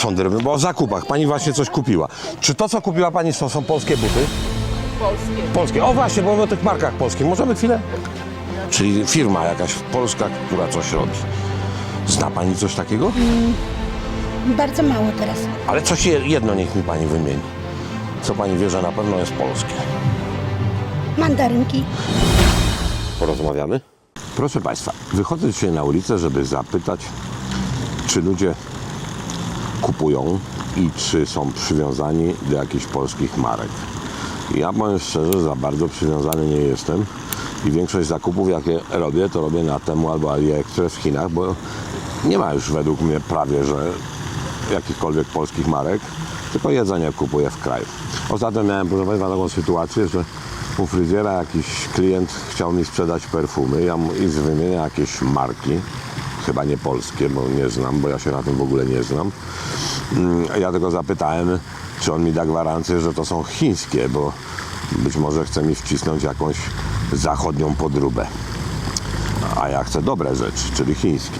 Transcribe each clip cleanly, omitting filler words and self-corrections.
sądy robimy? Bo o zakupach. Pani właśnie coś kupiła. Czy to, co kupiła pani, to są polskie buty? Polskie. Polskie. O właśnie, bo mówimy o tych markach polskich. Możemy chwilę? Czyli firma jakaś polska, która coś robi. Zna pani coś takiego? Bardzo mało teraz. Ale coś jedno niech mi pani wymieni. Co pani wie, że na pewno jest polskie? Mandarynki. Porozmawiamy? Proszę państwa, wychodzę dzisiaj na ulicę, żeby zapytać, czy ludzie kupują i czy są przywiązani do jakichś polskich marek. Ja powiem szczerze, za bardzo przywiązany nie jestem i większość zakupów, jakie robię, to robię na Temu albo AliExpress w Chinach, bo nie ma już według mnie prawie, że jakichkolwiek polskich marek, tylko jedzenie kupuję w kraju. Ostatnio miałem, proszę państwa, taką sytuację, że u fryzjera jakiś klient chciał mi sprzedać perfumy, ja mu wymienię jakieś marki, chyba nie polskie, bo nie znam, bo ja się na tym w ogóle nie znam. Ja tylko zapytałem, czy on mi da gwarancję, że to są chińskie, bo być może chce mi wcisnąć jakąś zachodnią podróbę. A ja chcę dobre rzeczy, czyli chińskie.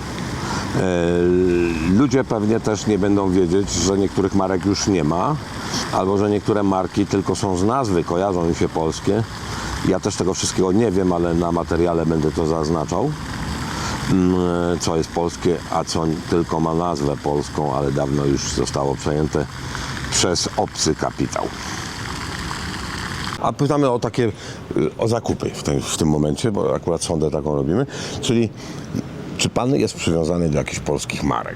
Ludzie pewnie też nie będą wiedzieć, że niektórych marek już nie ma, albo że niektóre marki tylko są z nazwy, kojarzą im się polskie. Ja też tego wszystkiego nie wiem, ale na materiale będę to zaznaczał, co jest polskie, a co tylko ma nazwę polską, ale dawno już zostało przejęte przez obcy kapitał. A pytamy o takie, o zakupy w tym momencie, bo akurat sondę taką robimy, czyli czy pan jest przywiązany do jakichś polskich marek?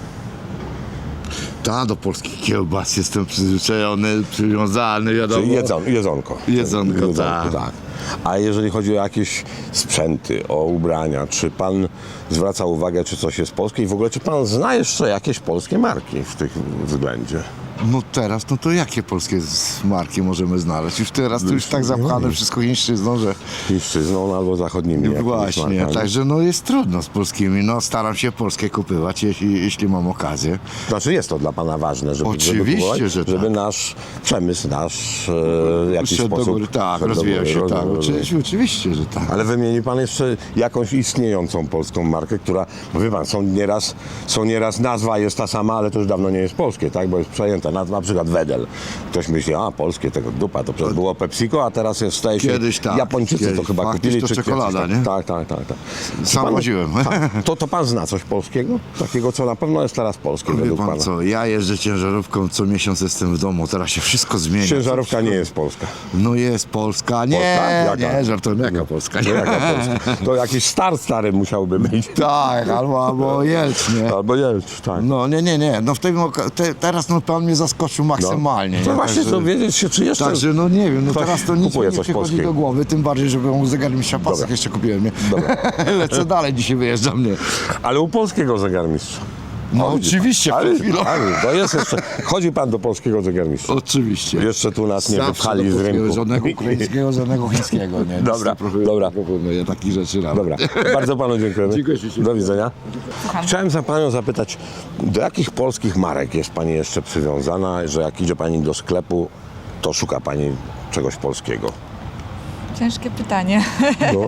Tak, do polskich kiełbas jestem przywiązany, wiadomo. Czyli jedzonko. Jedzonko, tak. A jeżeli chodzi o jakieś sprzęty, o ubrania, czy pan zwraca uwagę, czy coś jest polskie i w ogóle czy pan zna jeszcze jakieś polskie marki w tym względzie? No teraz, no to jakie polskie marki możemy znaleźć? Już teraz to już tak zapchane wszystko chińszczyzną, że... Chińszczyzną albo zachodnimi jakimiś Właśnie, markami. także no jest trudno z polskimi. No staram się polskie kupywać, jeśli mam okazję. Znaczy jest to dla pana ważne, żeby Oczywiście, kupować, że żeby tak. nasz przemysł, w jakiś Szedł do sposób... góry, tak, szedł do rozwijał góry, się, tak. rozwijał. Oczywiście, że tak. Ale wymieni pan jeszcze jakąś istniejącą polską markę, która, bo wie pan, są nieraz nazwa jest ta sama, ale to już dawno nie jest polskie, tak? Bo jest przejęta. Na przykład Wedel. Ktoś myśli, a polskie, tego dupa, to przecież było PepsiCo, a teraz jest, staje się... Kiedyś tak. Japończycy to Kiedyś. chyba Faktycznie kupili. to czy czekolada, kiedyś, nie? Tak. Sam chodziłem. To pan zna coś polskiego? Takiego, co na pewno jest teraz polskie Wie według pan pana. co, ja jeżdżę ciężarówką, co miesiąc jestem w domu, teraz się wszystko zmienia. Ciężarówka nie jest polska. No jest Polska, nie, Polska? Jaka? nie, żartuję, jaka Polska, nie. Jaka Polska? To jakiś stary musiałby być. Tak, albo Jelcz, nie. Albo Jelcz, tak. No nie, no w tym teraz no pan mnie zaskoczył maksymalnie. To nie? właśnie Także- dowiedzieć się, czy jeszcze... Także no nie wiem, no Ktoś teraz to nic mi kupuje nie coś przychodzi polskiego. do głowy, tym bardziej, że byłem u zegarmistrza pasek Dobra. jeszcze kupiłem, nie? Dobra. Lecę dalej, dzisiaj wyjeżdżam, nie? Ale u polskiego zegarmistrza. No widzi oczywiście, pan. przed chwilą. Ale to jest jeszcze... Chodzi pan do polskiego zegarmistrza. Oczywiście. Jeszcze tu nas nie Zawsze wypchali do z polskiego, rynku. Żadnego ukraińskiego, żadnego chińskiego, nie? Dobra, dobra. Ja takich rzeczy rano. Dobra, bardzo panu dziękujemy. Dziękuję ślicznie. Do widzenia. Słucham. Chciałem za panią zapytać, do jakich polskich marek jest pani jeszcze przywiązana, że jak idzie pani do sklepu, to szuka pani czegoś polskiego? Ciężkie pytanie. No.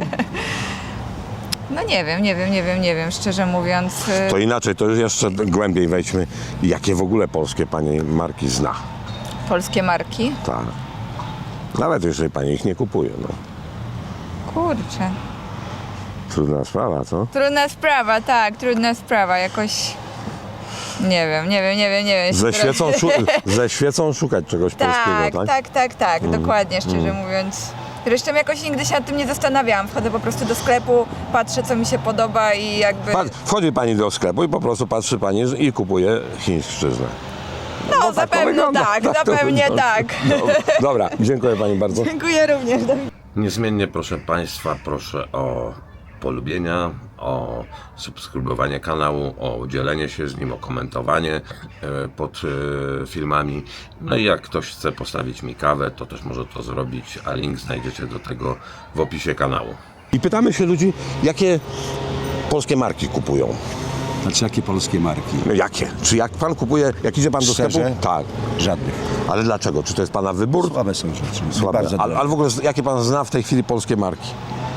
No nie wiem, szczerze mówiąc. To inaczej, to już jeszcze głębiej wejdźmy. Jakie w ogóle polskie pani marki zna? Polskie marki? Tak. Nawet jeżeli pani ich nie kupuje, no. Kurczę. Trudna sprawa, co? Trudna sprawa, tak, trudna sprawa. Jakoś... Nie wiem. Ze świecą szukać czegoś polskiego, tak? Tak, dokładnie, szczerze mówiąc. Zresztą jakoś nigdy się nad tym nie zastanawiałam. Wchodzę po prostu do sklepu, patrzę, co mi się podoba i jakby... Wchodzi pani do sklepu i po prostu patrzy pani i kupuje chińszczyznę. No, zapewne tak, zapewnie tak. Dobra, dziękuję pani bardzo. Dziękuję również. Niezmiennie proszę państwa, proszę o polubienia, o subskrybowanie kanału, o dzielenie się z nim, o komentowanie pod filmami. No i jak ktoś chce postawić mi kawę, to też może to zrobić, a link znajdziecie do tego w opisie kanału. I pytamy się ludzi, jakie polskie marki kupują. Znaczy jakie polskie marki? No jakie? Czy jak pan kupuje, jak idzie pan do sklepu? Szczerze? Tak. Żadnych. Ale dlaczego? Czy to jest pana wybór? Słabe są rzeczy. Słabe. Bardzo Ale w ogóle jakie pan zna w tej chwili polskie marki?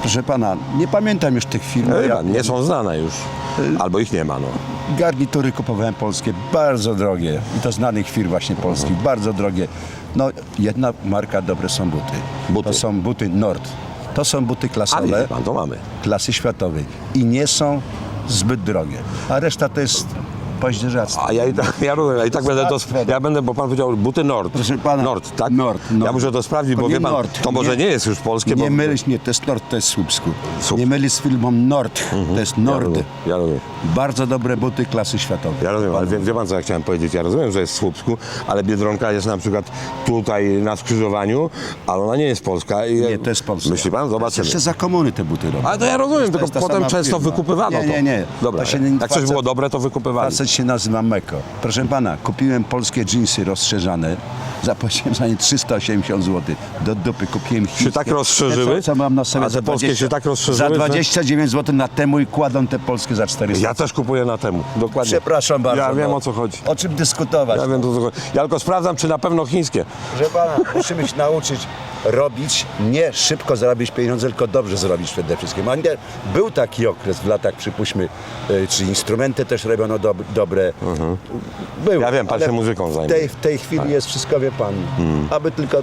Proszę pana, nie pamiętam już tych firm. Ja Nie są znane już. Albo ich nie ma, no. garnitury kupowałem polskie, bardzo drogie. I to znanych firm właśnie polskich, bardzo drogie. No, jedna marka, dobre są buty. Buty. To są buty Nord. To są buty A klasowe, wie pan, to mamy. klasy światowej. I nie są zbyt drogie. A reszta to jest paździerzactwo. A ja rozumiem, ja i tak będę to... Ja będę, bo pan powiedział buty Nord. Proszę pana, Nord, tak? Nord. Ja muszę to sprawdzić, To bo nie wie pan, Nord, to może nie jest już polskie, bo... Nie mylić, nie, to jest Nord, to jest Słupsku. Słup. Nie mylić z firmą Nord, to jest Nord. Ja rozumiem. Bardzo dobre buty klasy światowej. Ja rozumiem, ale wie pan, co ja chciałem powiedzieć? Ja rozumiem, że jest w Słupsku, ale Biedronka jest na przykład tutaj na skrzyżowaniu, ale ona nie jest polska. Nie, to jest polska. Myśli pan? Zobaczymy. Jeszcze za komuny te buty robią. Ale to ja rozumiem, To tylko jest ta potem sama często firma. wykupywano to. Nie. Dobra, To się jak coś było dobre, to wykupywali. Facet się nazywa Meko. Proszę pana, kupiłem polskie dżinsy rozszerzane. Zapłaciłem za nie 380 zł. Do dupy kupiłem chińskie. Się tak rozszerzyły? Te, co mam na sobie A te polskie się tak rozszerzyły, Za że- 29 zł na temu i kładą te polskie za 400. Ja też kupuję na temu, dokładnie. Przepraszam bardzo. Ja wiem, no. o co chodzi. O czym dyskutować? Ja wiem, o co chodzi. Ja tylko sprawdzam, czy na pewno chińskie. Proszę pana, musimy się nauczyć robić, nie szybko zarobić pieniądze, tylko dobrze zrobić przede wszystkim. A nie, był taki okres w latach, przypuśćmy, czy instrumenty też robiono dobre. Był, Ja wiem, pan ale się muzyką zajmuje. w tej chwili jest wszystko, wie pan, aby tylko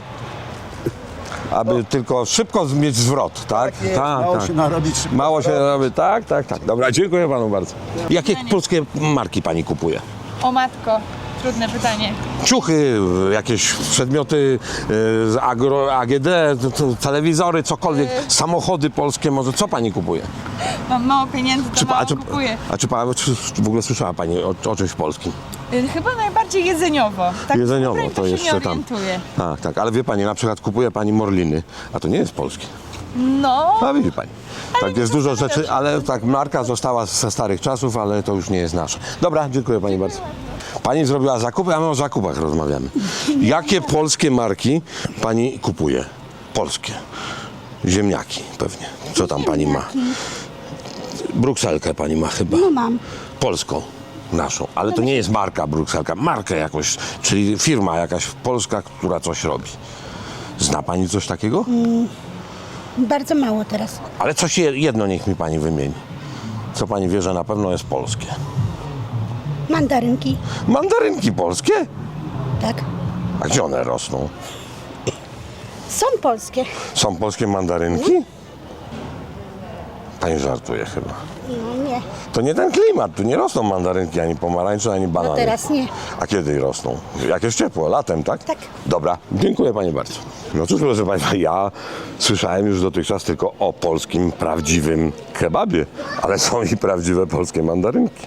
Aby tylko szybko mieć zwrot, tak? mało się narobić szybko. Mało się robi, tak. Dobra, dziękuję panu bardzo. Jakie polskie marki pani kupuje? O matko, trudne pytanie. Ciuchy, jakieś przedmioty z AGD, telewizory, cokolwiek, samochody polskie może. Co pani kupuje? Mam mało pieniędzy, to mało czy kupuję. czy w ogóle słyszała pani o czymś polskim? Chyba najbardziej jedzeniowo. Tak Jedzeniowo, naprawdę to się jeszcze nie tam. orientuję. Tak, ale wie pani, na przykład kupuje pani morliny, a to nie jest polskie. No, A widzi pani. Tak, jest dużo rzeczy, ale tak, marka została ze starych czasów, ale to już nie jest nasze. Dobra, dziękuję pani bardzo. Pani zrobiła zakupy, a my o zakupach rozmawiamy. Jakie polskie marki pani kupuje? Polskie. Ziemniaki pewnie. Co tam pani ma? Brukselkę pani ma chyba. No mam. Polską. Naszą. Ale to nie jest marka Brukselka. Markę jakoś, czyli firma jakaś polska, która coś robi. Zna pani coś takiego? Bardzo mało teraz. Ale coś jedno niech mi pani wymieni. Co pani wie, że na pewno jest polskie? Mandarynki, Mandarynki polskie? tak. A gdzie one rosną? Są polskie. Są polskie mandarynki? Pani żartuje chyba. No nie, To nie ten klimat, tu nie rosną mandarynki, ani pomarańcze, ani banany. no teraz nie. A kiedy rosną? Jak jest ciepło, latem, tak? Tak. Dobra, dziękuję pani bardzo. No cóż, proszę państwa, ja słyszałem już dotychczas tylko o polskim, prawdziwym kebabie, ale są i prawdziwe polskie mandarynki.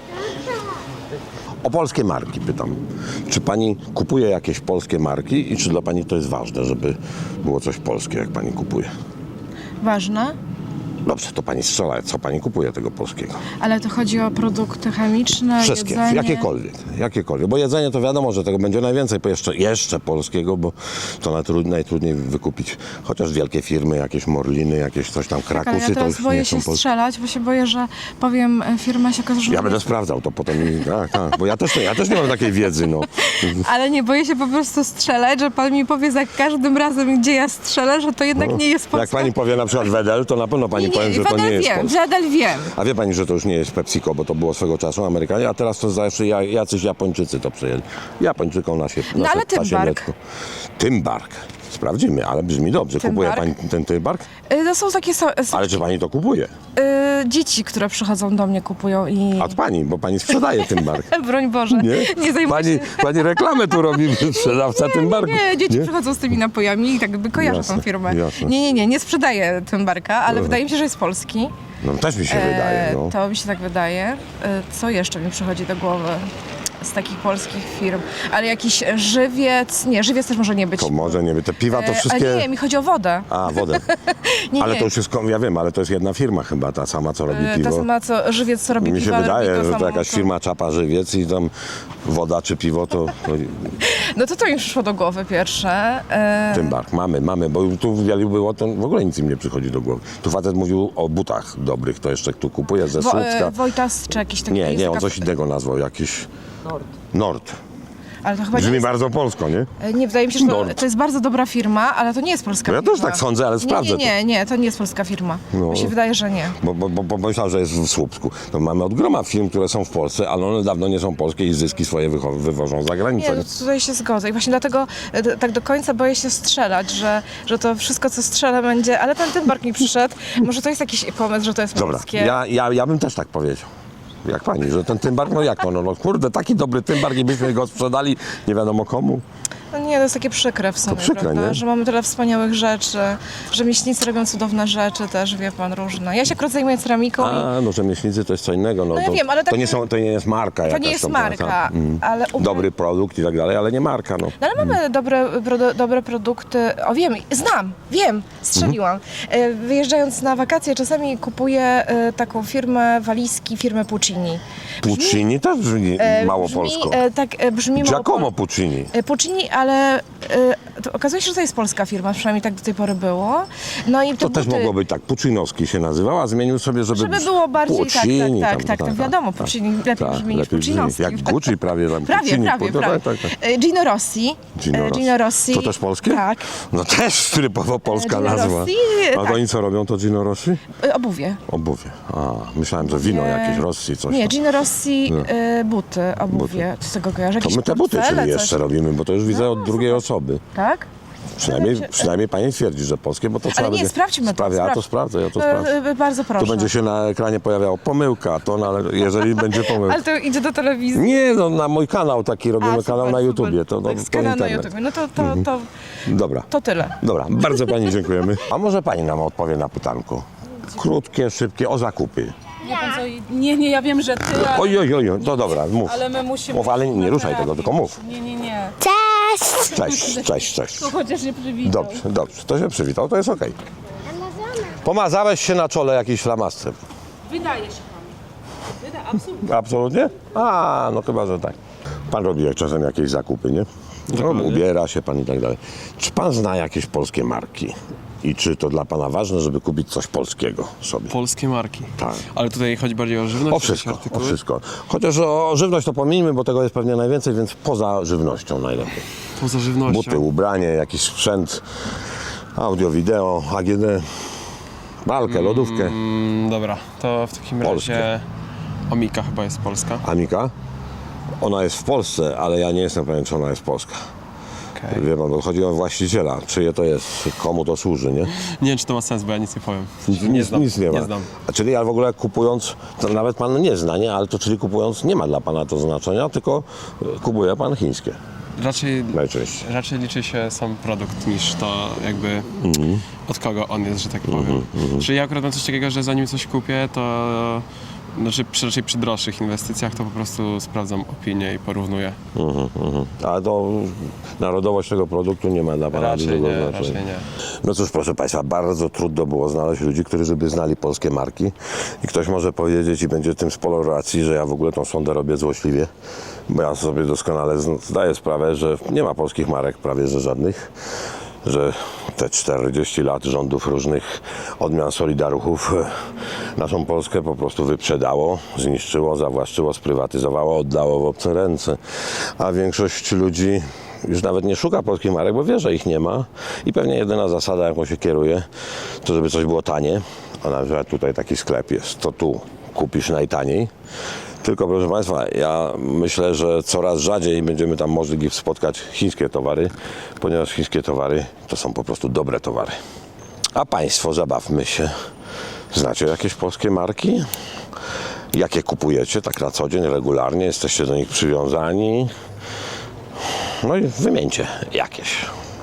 O polskie marki pytam. Czy pani kupuje jakieś polskie marki i czy dla pani to jest ważne, żeby było coś polskie, jak pani kupuje? Ważne, Dobrze, to pani strzela, co pani kupuje tego polskiego? ale to chodzi o produkty chemiczne, Wszystkie, jedzenie. jakiekolwiek. Bo jedzenie to wiadomo, że tego będzie najwięcej, bo jeszcze polskiego, bo to najtrudniej wykupić. Chociaż wielkie firmy, jakieś Morliny, jakieś coś tam, Tak, ale Krakusy, ja to teraz już boję nie się są polskie. strzelać, bo się boję, że powiem firma się okaże, że... Ja będę sprawdzał to potem, tak, bo ja też nie mam takiej wiedzy, no. Ale nie, boję się po prostu strzelać, że pan mi powie za każdym razem, gdzie ja strzelę, że to jednak nie jest Jak Polska. pani powie na przykład Wedel, to na pewno pani powiem, że to nie jest wiem, Polska. nadal wiem. A wie pani, że to już nie jest PepsiCo, bo to było swego czasu Amerykanie, a teraz to zawsze jacyś Japończycy to przejęli. Japończykom na No ale Tymbark. Tymbark. Sprawdzimy, ale brzmi dobrze. Kupuje Tymbark. pani ten Tymbark? To są takie Ale czy pani to kupuje? dzieci, które przychodzą do mnie, kupują i... Od pani, bo pani sprzedaje Tymbark. Broń Boże, nie zajmuję Pani, się... pani reklamę tu robi, sprzedawca Tymbarku. Nie, dzieci przychodzą z tymi napojami i tak jakby kojarzę Jasne, tą firmę. jasne. Nie sprzedaję Tymbarka, ale wydaje mi się, że jest polski. No też mi się wydaje, no. To mi się tak wydaje. Co jeszcze mi przychodzi do głowy z takich polskich firm? Ale jakiś żywiec... Nie, żywiec też może nie być. To może nie wiem, te piwa to wszystkie... Ale nie, mi chodzi o wodę. A, wodę. Nie, Ale nie. to już jest, ja wiem, ale to jest jedna firma chyba, ta sama, co robi piwo. Ta sama, co żywiec, co robi Mi się piwa, wydaje, robi to że to samo, jakaś co- firma czapa żywiec i tam woda czy piwo to No to mi przyszło do głowy pierwsze. Tymbark. Mamy, bo tu w Wielu było, to w ogóle nic im nie przychodzi do głowy. Tu facet mówił o butach dobrych, to jeszcze tu kupuje ze Słupska. Wojtas czy jakiś taki... Nie, jest on taka- coś innego nazwał, jakiś... Nord. Ale to chyba nie Brzmi jest, bardzo polsko, nie? nie, wydaje mi się, że Nord. to jest bardzo dobra firma, ale to nie jest polska No ja firma. też tak sądzę, ale sprawdzę Nie, to nie jest polska firma. No. Mi się wydaje, że nie. Bo myślałem, że jest w Słupsku. To mamy od groma firm, które są w Polsce, ale one dawno nie są polskie i zyski swoje wywożą za granicę. Nie, no tutaj się zgodzę i właśnie dlatego tak do końca boję się strzelać, że to wszystko, co strzelę będzie, ale ten Tymbark mi przyszedł, może to jest jakiś pomysł, że to jest Dobra, polskie. ja bym też tak powiedział. Jak pani, że ten Tymbark, no jak to, no kurde, taki dobry Tymbark i byśmy go sprzedali nie wiadomo komu. No nie, to jest takie przykre w sumie, przykre, prawda? nie? Że mamy tyle wspaniałych rzeczy, że mięśnicy robią cudowne rzeczy też, wie pan, różne. Ja się akurat zajmuję ceramiką A, no rzemieślnicy to jest co innego. No, ja to, wiem, ale tak- to nie jest marka to jakaś nie jest tam, marka, tak. ale... Dobry produkt i tak dalej, ale nie marka, no. No ale mamy dobre produkty. O wiem, strzeliłam. Wyjeżdżając na wakacje czasami kupuję taką firmę Puccini. Puccini też brzmi mało polsko. Brzmi mało Giacomo Puccini. Puccini, ale to okazuje się, że to jest polska firma, przynajmniej tak do tej pory było. No i te To też buty, mogło być tak, Puccinowski się nazywał, a zmienił sobie, żeby było bardziej Puccini, tak, wiadomo, Puccini lepiej brzmi niż Puccinowski. Jak Gucci prawie tam. Puccini, Prawie. tak. Gino Rossi. Gino Rossi. To też polskie? Tak. No też typowo polska Gino nazwa. Rossi, A tak. to oni co robią, to Gino Rossi? Obuwie. Obuwie. A, myślałem, że wino jakieś Rossi, coś Nie, tam. Gino Rossi, buty, obuwie. Co z tego kojarzę? To Jakieś my te buty portfele, czyli coś. jeszcze robimy, bo to już widzę od drugiej osoby. Tak? Przynajmniej pani twierdzi, że polskie, bo to trzeba nie, będzie... sprawdźmy to, Ja to sprawdzę, ja to sprawdzę. Bardzo proszę. Tu będzie się na ekranie pojawiało pomyłka, to no, ale jeżeli będzie pomyłka. Ale to idzie do telewizji. Nie, no na mój kanał taki robimy, kanał na YouTubie, to Tak, kanał na internet. YouTubie. No Dobra, to tyle. dobra, bardzo pani dziękujemy. A może pani nam odpowie na pytanko? Krótkie, szybkie, o zakupy. Wie pan co, nie, ja wiem, że ty, ale, Oj, to dobra, mów. ale my musimy... Mów, ale nie ruszaj tego, tylko mów. Nie. Cześć. To chociaż nie przywitał. Dobrze, to się przywitał, to jest okej. Pomazałeś się na czole jakiś flamastrem. Wydaje się panu. Absolutnie. Absolutnie? A, no chyba, że tak. Pan robi jak czasem jakieś zakupy, nie? No, ubiera się pan i tak dalej. Czy pan zna jakieś polskie marki? I czy to dla pana ważne, żeby kupić coś polskiego sobie? Polskie marki. Tak. Ale tutaj chodzi bardziej o żywność? O wszystko. Chociaż o żywność to pomijmy, bo tego jest pewnie najwięcej, więc poza żywnością najlepiej. Poza żywnością. Buty, ubranie, jakiś sprzęt, audio, wideo, AGD, walkę, lodówkę. Dobra, to w takim Polskie. razie Omika chyba jest polska. Amika? Ona jest w Polsce, ale ja nie jestem pewien, czy ona jest polska. Okay. Wie pan, bo chodzi o właściciela, czyje to jest, komu to służy, nie? Nie wiem, czy to ma sens, bo ja nic nie powiem. Nic nie ma. znam. A czyli ja w ogóle kupując, to nawet pan nie zna, nie? Ale to czyli kupując nie ma dla pana to znaczenia, tylko kupuje pan chińskie najczęściej. Raczej liczy się sam produkt niż to jakby od kogo on jest, że tak powiem. Czyli ja akurat mam coś takiego, że zanim coś kupię, to raczej przy droższych inwestycjach to po prostu sprawdzam opinię i porównuję. A to narodowość tego produktu nie ma dla pana Raczej dużego nie, znaczenia. raczej nie. No cóż, proszę państwa, bardzo trudno było znaleźć ludzi, którzy by znali polskie marki. I ktoś może powiedzieć i będzie tym sporo racji, że ja w ogóle tą sondę robię złośliwie. Bo ja sobie doskonale zdaję sprawę, że nie ma polskich marek prawie że żadnych. Że te 40 lat rządów różnych odmian Solidaruchów naszą Polskę po prostu wyprzedało, zniszczyło, zawłaszczyło, sprywatyzowało, oddało w obce ręce. A większość ludzi już nawet nie szuka polskich marek, bo wie, że ich nie ma. I pewnie jedyna zasada, jaką się kieruje, to żeby coś było tanie. A na przykład tutaj taki sklep jest, to tu kupisz najtaniej. Tylko proszę państwa, ja myślę, że coraz rzadziej będziemy tam mogli spotkać chińskie towary, ponieważ chińskie towary to są po prostu dobre towary. A państwo, zabawmy się. Znacie jakieś polskie marki? Jakie kupujecie tak na co dzień, regularnie? Jesteście do nich przywiązani? No i wymieńcie jakieś.